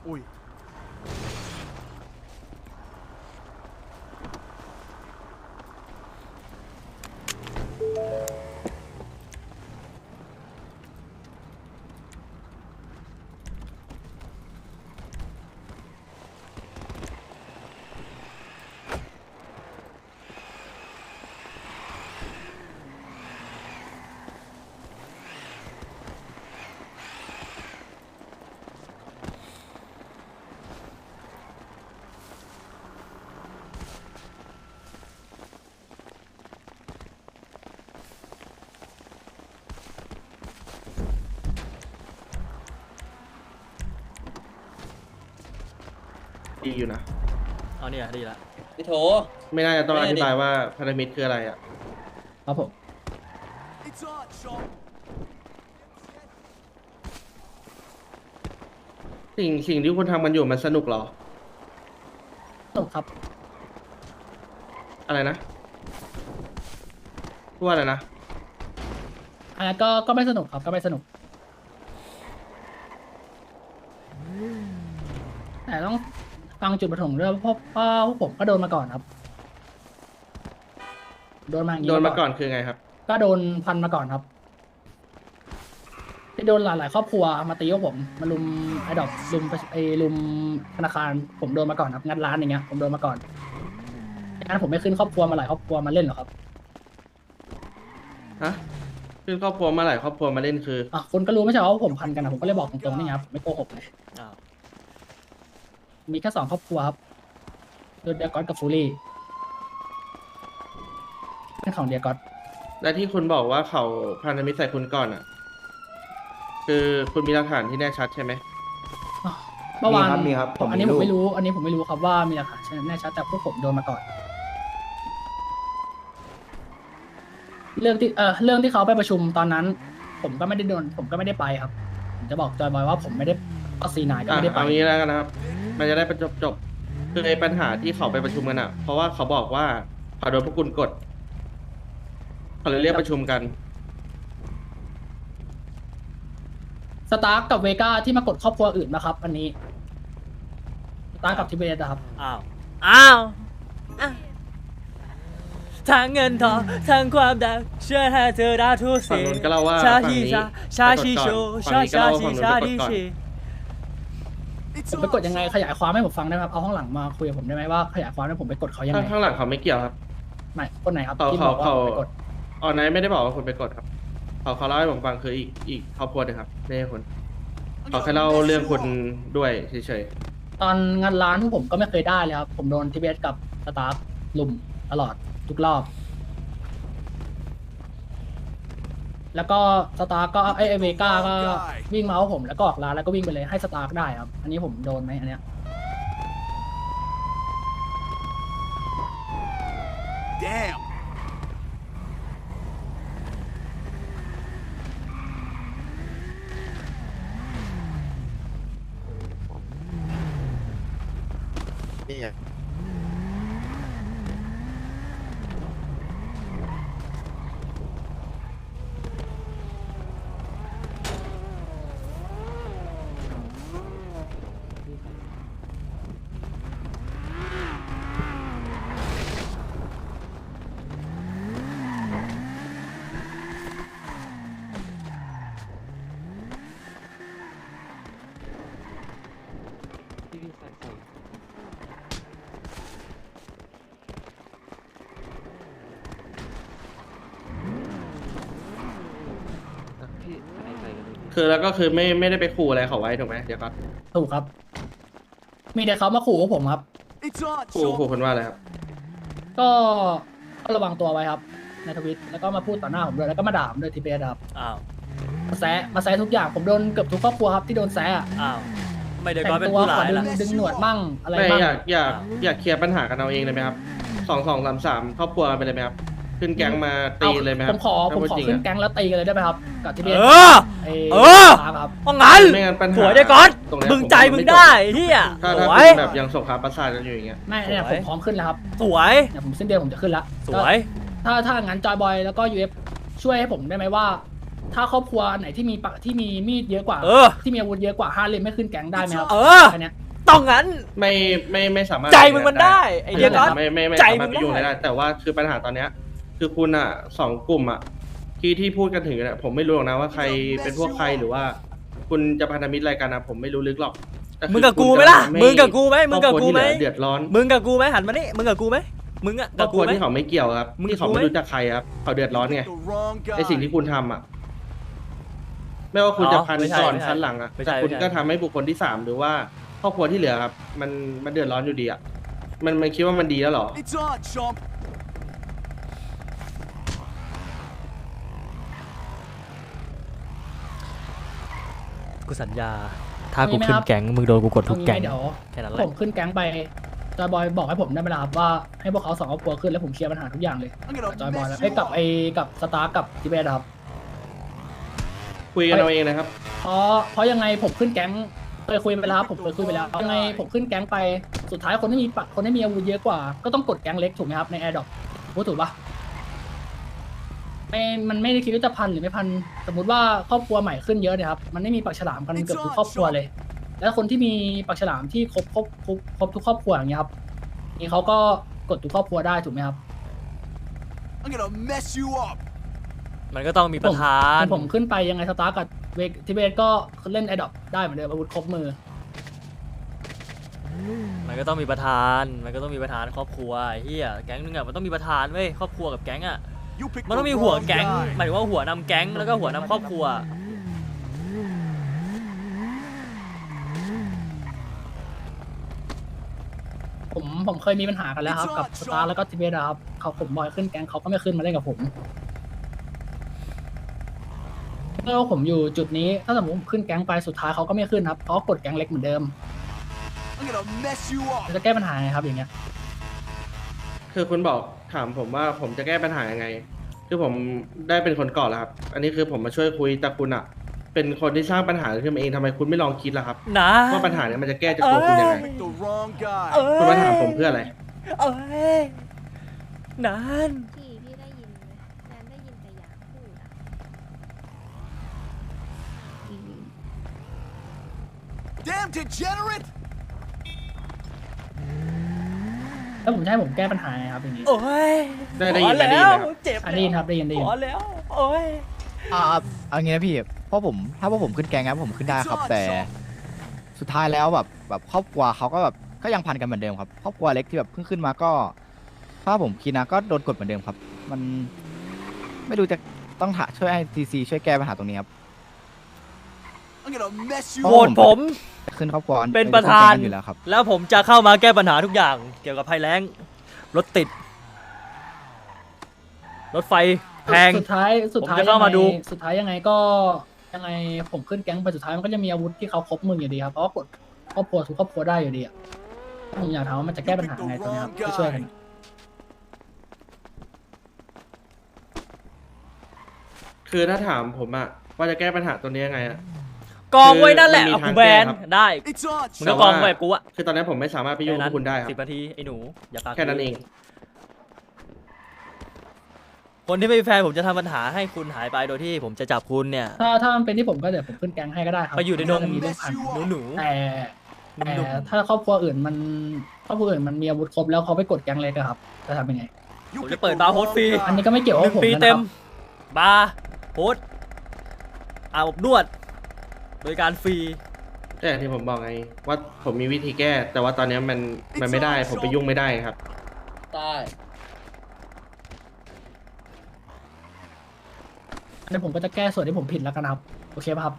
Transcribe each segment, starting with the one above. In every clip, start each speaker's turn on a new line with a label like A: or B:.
A: อุ้ย
B: ดีอยู่นะ
C: อ๋อเนี่ยดีละ
D: พี่โถ
B: ไม่น่าจะต้องอธิบายว่าพันธมิตรคืออะไรอ่ะ
E: ครับผม
B: สิ่งที่คุณทำกันอยู่มันสนุกเหรอ
E: สนุกครับ
B: อะไรนะพูดว่าอะไรนะ
E: อันนั้นก็ไม่สนุกครับก็ไม่สนุกแต่ต้องฟังจุดประสงค์ด้วยเพราะว่าพวกผมก็โดนมาก่อนครับโดนมาอย่างนี้
B: โดนมาก่อนคือไงครับ
E: ก็โดนพันมาก่อนครับที่โดนหลายๆครอบครัวมาตีพวกผมมาลุมไอ้ดอกลุมธนาคารผมโดนมาก่อนครับงัดร้านอย่างเงี้ยผมโดนมาก่อนงั้นผมไม่ขึ้นครอบครัวมาหลายครอบครัวมาเล่นหรอกครับ
B: ฮะขึ้นครอบครัวมาหลายครอบครัวมาเล่นคือ
E: อ่ะคนก็รู้ไม่ใช่เหรอว่าผมพันกันนะผมก็เลยบอกตรงๆนี่ไงครับผมไม่โกหกเลย
C: อ้าว
E: มีแค่2 ครอบครัวครับคือเดียกอสกับฟูรี่เป็นของเดียกอส
B: และที่คุณบอกว่าเขาพันธมิตรใส่คุณก่อนอ่ะ คือคุณมีหลักฐานที่แน่ชัดใช่ไหม
E: เมื่อวาน
F: มีครับผม
E: อันนี้
F: มี
E: ผม
F: รูป
E: ไม่รู้ อันนี้ผมไม่รู้ครับว่ามีหลักฐานแน่ชัดแต่พวกผมโดนมาก่อน เรื่องที่เขาไปประชุมตอนนั้น ผมก็ไม่ได้โดนผมก็ไม่ได้ไปครับผมจะบอกจอยบอยว่าผมไม่ได้ก็ซีนายก็
B: อ่ะ
E: ไม่ได้ไป
B: เอางี้แล้วกันนะครับ มันจะได้จบคือไอ้ปัญหาที่เขาไปประชุมกันอ่ะ เพราะว่าเขาบอกว่าเขาโดนพวกคุณกดเขาเลยเรียกประชุมกัน
E: สตาร์กกับเวก้าที่มากดครอบครัวอื่นนะครับ อันนี้สตาร์กกับทิเบตนะครับ
C: อ้าวอ้าวอ้าวทั้งเงินทองทั้งความดังเชื่อให้เธอได้ทุก
B: ฝั่ง
C: สิ่ง
B: นู้นก็เล่าว่า
C: ชา
B: ฝั่ง
C: ชี
B: นี้
C: ชาชาชีโช
B: ฝั่ง
C: ชา
B: นี้ก็
C: ชา
B: เล่าว่า
C: ชี
B: ฝั่งนู้น
C: ชา
B: ไป
C: ดี
B: กดก่อน
C: ชี
E: ผมไปกดยังไงขยายความให้ผมฟังได้ไหมครับเอาข้างหลังมาคุยกับผมได้ไหมว่าขยายความให้ผมไปกดเขายังไง
B: ข้างหลังเขาไม่เกี่ยวครับ
E: ไม่คนไหนครับ
B: เขา
E: ที่บ
B: เขา
E: อกว่า
B: เขา
E: ผมไปกด
B: ออนไลน์ไม่ได้บอกว่าคุณไปกดครับเขาเล่าให้ผมฟังคืออีกครอบครัวหนึงครับไม่ใช่คุณเขาแค่เล่าเรื่องคุณด้วยเฉย
E: ตอนงานร้านพวกผมก็ไม่เคยได้เลยครับ ผมโดนทิเบตกับสตาร์ลุมตลอดทุกรอบ แล้วก็สตาร์ก็ไอเวก้าก็วิ่งมาเอาผมแล้วก็ออกร้านแล้วก็วิ่งไปเลยให้สตาร์ได้ครับ อันนี้ผมโดนไหมอันเนี้ย
A: Damn.
F: นี่ไง
B: ๆคือแล้วก็คือไม่ได้ไปขู่อะไรเขาไว้ถูกไหมเดี๋ยวก่อน
E: ถูกครับ มีแต่เขามาขู่พวกผมครับ
A: It's on,
B: ขู่คุณว่าอะไรครับ
E: ก็ระวังตัวไว้ครับ ในทวิตแล้วก็มาพูดต่อหน้าผมด้วยแล้วก็มาด่าผมด้วยทิเบตครับ
C: อ้าว
E: มาแซะทุกอย่างผมโดนเกือบทุกครอบครัวครับที่โดนแซะอะ
C: อ้าวไม่ได้
E: แต่
C: ก็
E: ง
C: เป็น
E: ตัว
C: ผู้
E: ข
C: ร้า
E: อย
C: ละ
E: ดึงหนวดมั่งอะไร
B: ไม่
E: มั่ง
B: อยากเคลียร์ปัญหากันเอาเองเลยไหมครับ2 2 3 3ครอบครัวกันไปเลยไหมครับ ขึ้นแก๊งมาตีเลยไหมค
E: ผ
B: รับ
E: มขอ
B: ถ้าพูดจริง
E: ขึ้น
B: อะ
E: แก๊งแล้วตีกันเลยได้ไหมครับกับทิเบต
C: เออ
E: ไอ้
C: เออ
E: สตาร์ครับ
C: เพราะงั้น
B: ไม่งั้นปัญหา
C: ผัวได้ก่อน
B: ตรงเนี้ย
C: มึงใจ
B: ผ
C: มึง
B: จบ
C: ได้เฮีย
B: ถ้า
C: สว
B: คุ
C: ย
B: ณแบบยังสงครามประสาทกันอยู่อย่างเงี้ย
E: ไม่เนี่ย
C: สวย
E: ผมพร้อมขึ้นแล้วครับ
C: สวย
E: เนี่ยผมสิ้นเดือนผมจะขึ้นแล้ว
C: สวย
E: ถ้างั้นจอยบอยแล้วก็ยูเอฟช่วยให้ผมได้ไหมว่าถ้าครอบครัวไหนที่มีมีดเยอะกว่า ที่มีอาวุธเยอะกว่า5 เล่มไม่ขึ้นแก๊งได้ไหมครับแค่เนี้ย
C: ต้องงั้น
B: ไม่สามารถ
C: ใจมึงมันได้ไอเดียก็
B: ไม่
C: ใจ
B: สา
C: มึ
B: มารถ
C: ง
B: ไปยุ่ง
C: ได้
B: ได้แต่ว่าคือปัญหาตอนเนี้ยคือคุณอ่ะ2 กลุ่มอ่ะที่พูดกันถึงเนี่ยผมไม่รู้หรอกนะว่าใครเป็นพวกใครหรือว่า คุณจะพันธมิตรอะไรกันนะผมไม่รู้ลึกหรอกแต่คือ
C: มึงกับกูไหมล่ะ
B: คุณจะ
C: มึงกับกูไหมมึงกับกูไหม
B: ครอบครัวที่เหลือเดือดร้อน
C: มึงกับกูไหมหันมานี่มึงกับกูไหมมึงอะ
B: คร
C: กั
B: อ
C: บบ
B: ค
C: กู
B: รัว
C: ไหม
B: ที่เขาไม่เกี่ยวครับ
C: มึง
B: ที่เขา
C: กูไหม
B: ไม่รู้จักใครครับเขาเดือดร้อนไง
A: The wrong guy.
B: ในสิ่งที่คุณทำอ่ะไม่ว่าคุณจะพัน
C: ไม่ใช่
B: ก่อน
C: ไม่ใช่
B: พันหลังอ่ะ
C: ไม่ใช่
B: แต่คุณ
C: ไม่ใช่
B: ก็ทำให้บุคคลที่3หรือว่าครอบครัวที่เหลือครับมันเดือดร้อนอยู่ดีอ่ะมันคิดว่ามันดีแล้วเหรอ
A: It's on, chump.
C: กูสัญญา ถ้ากูขึ้นแก๊งมึงโดนกูกดทุก
E: เอางี้
C: แก๊ง
E: เดี๋ยว
C: แค่นั้นแห
E: ผ
C: ละ
E: มขึ้นแก๊งไปจอยบอยบอกให้ผมได้เวลาครับว่าให้พวกเขา2 ครอบครัวขึ้นแล้วผมเคลียร์ปัญหาทุกอย่างเลย
A: I'm
E: จอยบอย
A: gonna
E: แล้ว
A: mess
E: ไอ้
A: you
E: กับ
A: up.
E: กับสตาร์กับทิเบตครับ
B: คุยกันเอาเองนะครับ
E: เพราะยังไงผมขึ้นแก๊งเคยคุยไปแล้วครับผมเคยคุยไปแล้วยังไงผมขึ้นแก๊งไปสุดท้ายคนที่มีอาวุธเยอะกว่าก็ต้องกดแก๊งเล็กถูกไหมครับในแอร์ดรอปพูดถูกปะมันไม่ได้คิดว่าจะพันหรือไม่พันสมมติว่าครอบครัวใหม่ขึ้นเยอะเนี่ยครับมันไม่มีปากฉลามกันเกือบทุกครอบครัวเลย แล้วคนที่มีปากฉลามที่ครบทุกครอบครัวอย่างเงี้ยครับนี่เขาก็กดทุกครอบครัวได้ถูกไหมครับ
A: I'm gonna mess you up.
C: มันก็ต้องมีประธาน
E: ผมขึ้นไปยังไงสตาร์กับทิเบตก็เล่นแอร์ดรอปได้เหมือนเดิมอาวุธครบมือ
C: มันก็ต้องมีประธาน มันก็ต้องมีประธานครอบครัวไอ้เฮียแก๊งนึงอะมันต้องมีประธานเว้ยครอบครัวกับแก๊งอะ
A: You picked
C: มัน
A: the
C: ต้องมีหัว
A: wrong
C: แก๊ง
A: guy.
C: หมายถึงว่าหัวนำแก๊งแล้วก็หัวนำครอบครัว
E: ผมเคยมีปัญหากันแล้วครับกับสตาร์แล้วก็ทิเบตครับผมบอยขึ้นแก๊งเขาก็ไม่ขึ้นมาเล่นกับผมเมื่อผมอยู่จุดนี้ถ้าสมมติผมขึ้นแก๊งไปสุดท้ายเขาก็ไม่ขึ้นครับเขาก็กดแก๊งเล็กเหมือนเดิม
A: I'm gonna mess you up.
E: จะแก้ปัญหาไงครับอย่างเงี้ย
B: คือคุณบอกถามผมว่าผมจะแก้ปัญหายังไง คือผมได้เป็นคนก่อนแล้วครับ อันนี้คือผมมาช่วยคุยแต่คุณอ่ะ เป็นคนที่สร้างปัญหาขึ้นมาเองทำไมคุณไม่ลองคิดล่ะครับ
C: นะ
B: ว่าปัญหาเนี้ยมันจะแก้จากตัวคุณยังไง
A: Picked the wrong guy.
B: คุณมาถามผมเพื่ออะไร
C: เอ้ยนาน
D: พี่ได้ยินไหมแนนได้ยินแต่อยากพูดอ่ะ
A: Damn degenerate.
E: แล้วผมจะให้ผมแก้ปัญหาไงครับอย่างนี้
C: โอ้ย
B: ได้ยิน
C: พอ
B: ได้ยิน
C: แล้ว
B: ไหมครับ
C: เจ็บ
E: อันนี้ครับได้ยิน
C: พอแล้ว โอ้ย
F: เอางี้นะพี่เพราะผมถ้าว่าผมขึ้นแกงนะผมขึ้นได้ครับ แต่สุดท้ายแล้วแบบครอบครัวเขาก็แบบก็ยังพันกันเหมือนเดิมครับครอบครัวเล็กที่แบบเพิ่งขึ้นมาก็ถ้าผมคิดนะก็โดนกดเหมือนเดิมครับ มันไม่รู้จะต้องช่วยให้ทีซีช่วยแก้ปัญหาตรงนี้ครับ
A: I'm gonna mess you
C: โหว
A: up.
C: ตผม
F: ขึ้นครอบครัว
C: เป็นประธาน
F: แก๊งกัอยู่แล้วครับ
C: แล้วผมจะเข้ามาแก้ปัญหาทุกอย่าง เกี่ยวกับภัยแล้ง รถติด รถไฟแพง
E: สุดท้าย
C: ผมจะเข้ามาดู
E: สุดท้ายยังไงก็ยังไงผมขึ้นแก๊งไปสุดท้ายมันก็จะมีอาวุธที่เขาครบมืออยู่ดีครับเพราะว่ากดครอบครัวทุกครอบครัวได้อยู่ดีอ่ะผมอยากถามว่ามันจะแก้ปัญหาไงตรงนี้ครับช่วยๆกัน
B: คือถ้าถามผมอะว่าจะแก้ปัญหาตัวนี้ยังไงอะ
C: กองไว้นั่นแหละ
B: คือ
C: เอา
B: มันมี
C: กูแบน
B: ทางแก้ครับ
C: ได้
A: It's on,
C: มึง
A: chump.
C: ก็กองไว้แบบกูอะ
B: คือตอนนี้ผมไม่สามารถไปยุ่งกับคุณได้ครับ
C: 10 นาทีไอ้หนู อย่าปาก
B: แค่นั้นเอง
C: คนที่ไม่มีแฟนผมจะทำปัญหาให้คุณหายไปโดยที่ผมจะจับคุณเนี่ย
E: ถ้ามันเป็นที่ผมก็เดี๋ยวผมขึ้นแก๊งให้ก็ได้ครับ
C: ไปอยู่ในดง
E: มีเรื่องพัน
C: หนู
E: แต่
C: หนุ่ม
E: ถ้าครอบครัวอื่นมันมีอาวุธครบแล้วเขาไปกดแก๊งเล็กอะครับจะทำยังไง
A: You
C: ผม
A: picked
C: จะเปิด
A: the
C: บาร์โฮส
A: wrong
C: ฟรี
A: guy.
E: อันนี้ก็ไม่เกี่ยวกับ
C: 1
E: ผม
C: ปี
E: นะค
C: เต็
E: รั
C: ม
E: บ
C: บาร์โฮสอาบอบนวด โดยการฟรี
B: แต่อย่างที่ผมบอกไงว่าผมมีวิธีแก้ แต่ว่าตอนนี้มันไม่ได้ผมไปยุ่งไม่ได้ครับ
E: ได้ อันนี้ผมก็จะแก้ส่วนที่ผมผิดแล้วกันครับ โอเคป่ะครับ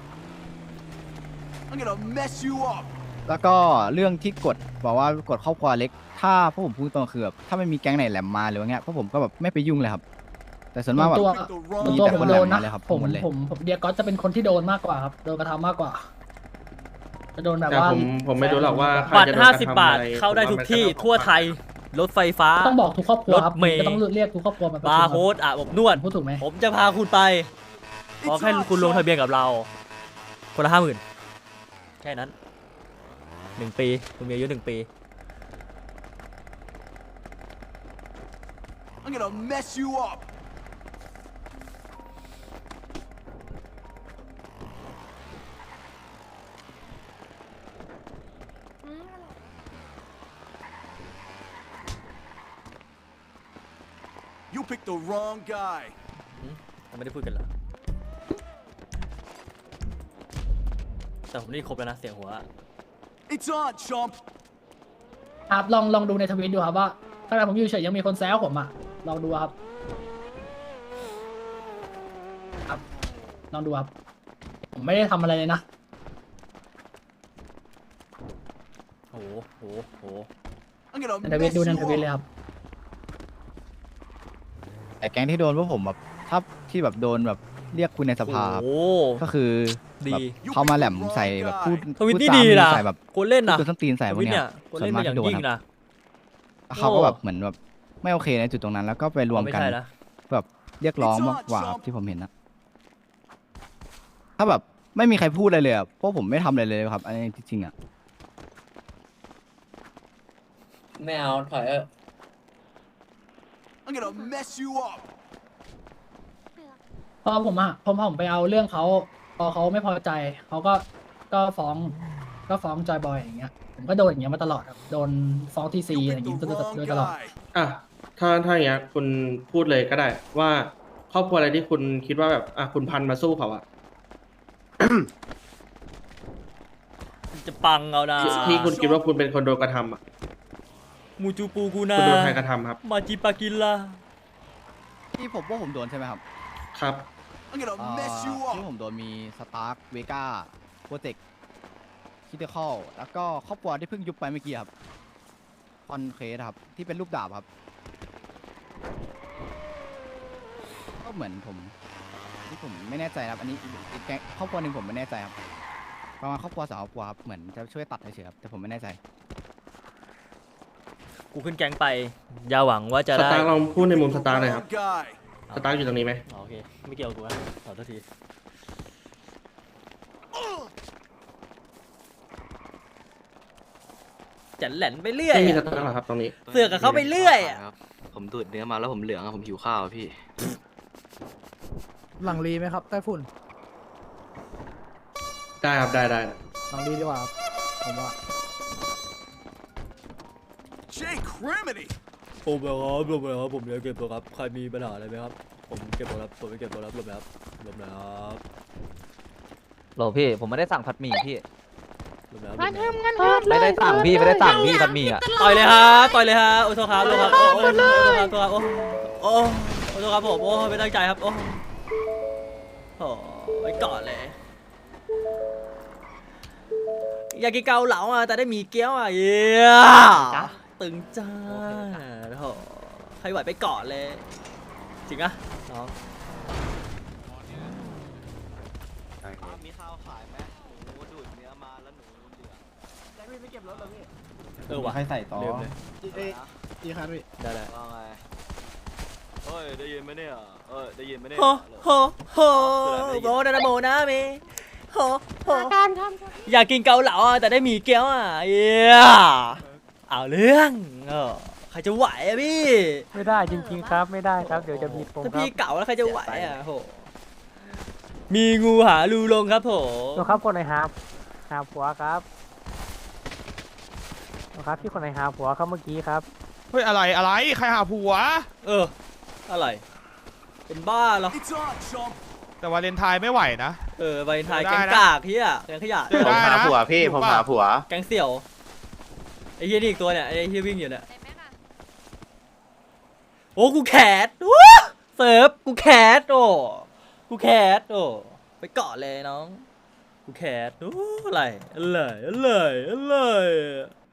A: I'm gonna mess you up.
F: แล้วก็เรื่องที่กดบอกว่ากดครอบครัวเล็ก ถ้าพวกผมพูดตรงคือแบบถ้าไม่มีแก๊งไหนแหลมมาหรือว่าเงี้ยพวกผมก็แบบไม่ไปยุ่งเลยครับ แต่ส่วนมากแบบ
E: ตัว
A: Picked the
E: ส่วน
A: wrong
E: ตัว
F: แต่
E: ผม
F: คน
E: โดน
F: แหลม
E: นะ
F: มาเลยครับ
E: ผม
F: หมดเลย
E: ผมเดียก็จะเป็นคนที่โดนมากกว่าครับ โดนกระทำมากกว่า จะโดนแบบ
B: แต่
E: ว่า
B: ผมไม่รู้หรอกว่าใคร
C: บัตร
B: จะโดนกระทำ
C: 50 บาท
B: อะไร
C: เข้าได้
B: ผม
C: ทุก
B: ว่ามัน
C: ที่
B: ก็ต้อง
C: ทั่วไทย รถไฟฟ้า
E: ต้องบอกทุกครอบครัวครับ
C: รถเมล์
E: จะต้องเรียกทุกครอบครัวมาประชุม
C: บาร์โฮสอาบอบนวด
E: พูดถูกไหม
C: ผมจะพาคุณไป ขอแค่คุณลงทะเบียนกับเรา คนละ 50,000 แค่นั้น 1 ปี คุณมีอายุ 1 ปี
A: I'm gonna mess you up. picked the wrong guy.
C: เราไม่ได้พูดกันเหรอแต่ผมได้ยินครบแล้วนะเสียงหัว
A: It's on, chump.
E: ครับลองดูในทวิตดูครับว่าขณะผมอยู่เฉยยังมีคนแซวผมอ่ะลองดูครับครับลองดูครับผมไม่ได้ทำอะไรเลยนะ
C: โห
A: I'm gonna
E: ในทวิต
A: mess
E: ดู
A: you
E: ในทวิตเลย
A: up.
E: ครับ
F: แต่แก๊งที่โดนพวกผมแบบถ้าที่แบบโดนแบบเรียกคุยในสภาครับ
C: โอ้
F: ก็คือ
C: ดี
F: แบบเขามาแหลมใส่แบบพูด
C: ทวิตนี่
F: พู
C: ดี
F: จา
C: นะ
F: ใส่แบบ
C: คนเล่นนะ
F: พูดส้นตีนใส่
C: ท
F: พว
C: วิ
F: ก
C: ต
F: เนี้
C: เนี่ย ยคนเล่น
F: ส่ว
C: เป็นอย่าง
F: ที่โด
C: ยิ่ง
F: ครับ
C: นะ
F: เขาก็แบบเหมือนแบบไม่โอเคในจุดตรงนั้น แล้วก็ไปรวม
C: ไม่
F: กัน
C: ใช่นะ
F: แบบเรียกร้องมากกว่าครับที่ผมเห็นนะถ้าแบบไม่มีใครพูดอะไรเลยอะพวกผมไม่ทำอะไรเลยครับอันนี้จริงๆอะ
G: ไม่เอาถอยเออ
A: I'm gonna mess you up.
E: พอผมไปเอาเรื่องเขาพอเขาไม่พอใจเขาก็ฟ้องจอยบอยอย่างเงี้ยผมก็โดนอย่างเงี้ยมาตลอดครับโดนฟ้องทีซี
A: You
E: อะไรอย่าง
A: picked
E: งี้
A: the
E: โด
A: wrong
E: ยตลอด
A: guy.
B: อ่ะถ้าอย่างเงี้ยคุณพูดเลยก็ได้ว่าครอบครัวอะไรที่คุณคิดว่าแบบคุณพันมาสู้เขาอะ
C: จะปังเอานะ
B: ที่คุณคิดว่าคุณเป็นคนโดนกระทำอะ
C: มูจูปูกูนา
B: คุณโดนใครกระทำครับ
C: มาจิปากินล่ะ
F: ที่ผมว่าผมโดนใช่ไหมครับ
B: ครับ
A: I'm gonna mess you
F: ที่
A: up.
F: ผมโดนมีสตาร์คเวก้าโปรเจกต์คิเตอร์คอลแล้วก็ครอบครัวที่เพิ่งยุบไปเมื่อกี้ครับคอนเคสครับที่เป็นรูปดาบครับ ก็เหมือนผมที่ผมไม่แน่ใจครับอันนี้อีกแก๊งครอบครัวหนึ่งผมไม่แน่ใจครับประมาณครอบครัวสองครอบครัวครับเหมือนจะช่วยตัดเฉยๆครับแต่ผมไม่แน่ใจ
C: กูขึ้นแก๊งไปอย่าหวังว่าจะ
B: ส
C: ได้
B: ตาร์ลองพูดในมุมสตาร์หน่อยครับ
A: Wrong guy.
B: สตาร์อยู่ตรงนี้ไหม
C: อ๋อโอเค ไม่เกี่ยวกับกูนะขอโทษทีจะแหลนไปเรื่อย
B: ไม่มีส
C: อะ
B: ตาร์หรอครับตรงนี้
C: เสือกกับเขาไปเรื่อยอะ
H: ครับผมดูดเนื้อมาแล้วผมเหลืองอะผมหิวข้าวอะพี่
I: หลังรีไหมครับใต้ฝุ่น
B: ได้ครับได้
I: หลังรีดีกว่าครับผมว่า
A: Jay Criminy.
C: ผมครับผมจะเก็บตัวครับใครมีปัญหาอะไรไหมครับผมเก็บตัวครับผมไปเก็บตัวครับรวมแล้วรวมแล้ว
G: โหลพี่ผมไม่ได้สั่งผัดหมี่พี่
C: รวมแล้ว
G: ไม่ได้สั่งพี่ไม่ได้สั่งพี่ผัดหมี่อ่ะ
C: ต่อยเลยครับต่อยเลยครับโอ้โทษครับโทษครับโอ้โทษครับโทษครับโอ้โทษครับผมโอ้ไม่ตั้งใจครับโอ้ไว้ก่อนเลยอยากกินเกาเหลาอ่ะแต่ได้หมีเกี๊ยวอ่ะเย้ตึงจ้าโอ้โหใครไหวไปก่อนเลยจริงอะน้อง
H: มีข้าวขายไหมหนูดูดเนื้อมาแล้วหนูเหลือง
C: เออว่ะ
F: ใครใส่ต่อ
C: ลืมเลย
I: อีครับพี่
C: ได้
H: ว่าไงเฮ้ยได้ยินไหมเนี่ยได้ยินไหมเนี่ย
C: โฮโฮโฮโบนาโบนาเมโฮโฮอยากกินเกาเหลาอ่ะแต่ได้หมี่เกี๊ยวอ่ะเย้เอาเรื่องใครจะไหวอ่ะพี่
I: ไม่ได้จริงๆครับไม่ได้ครับเดี๋ยวจะมีปม
C: ถ้า
I: ครั
C: พี่
I: บ
C: เก่าแล้วใครจะไหวอ่ะโหมีงูหารูลงครับผม
I: ตัวครับคนไหนหาผัวครับตัวครับพี่คนไหนหาผัวครับเมื่อกี้ครับ
J: เฮ้ยอะไรใครหาผัว
C: อะไรเป็นบ้าเหรอ
A: It's on, chump.
J: แต่วาเลนไทน์ไม่ไหวนะ
C: ใบไทย
J: ได้
C: แก๊ง
J: นะ
C: กากเฮียแก๊งขยะ
J: เจอได้นะ
H: ผมหาผัว
C: แก๊งเสี่ยวไอ้เฮียนี่อีกตัวเนี่ยไอ้เฮียวิ่งอยู่เนี่ย
D: ได้ไหมล่ะ
C: โอ้กูแคสวู้เสิร์ฟกูแคสกูแคสไปเกาะเลยน้องกูแคสอะไร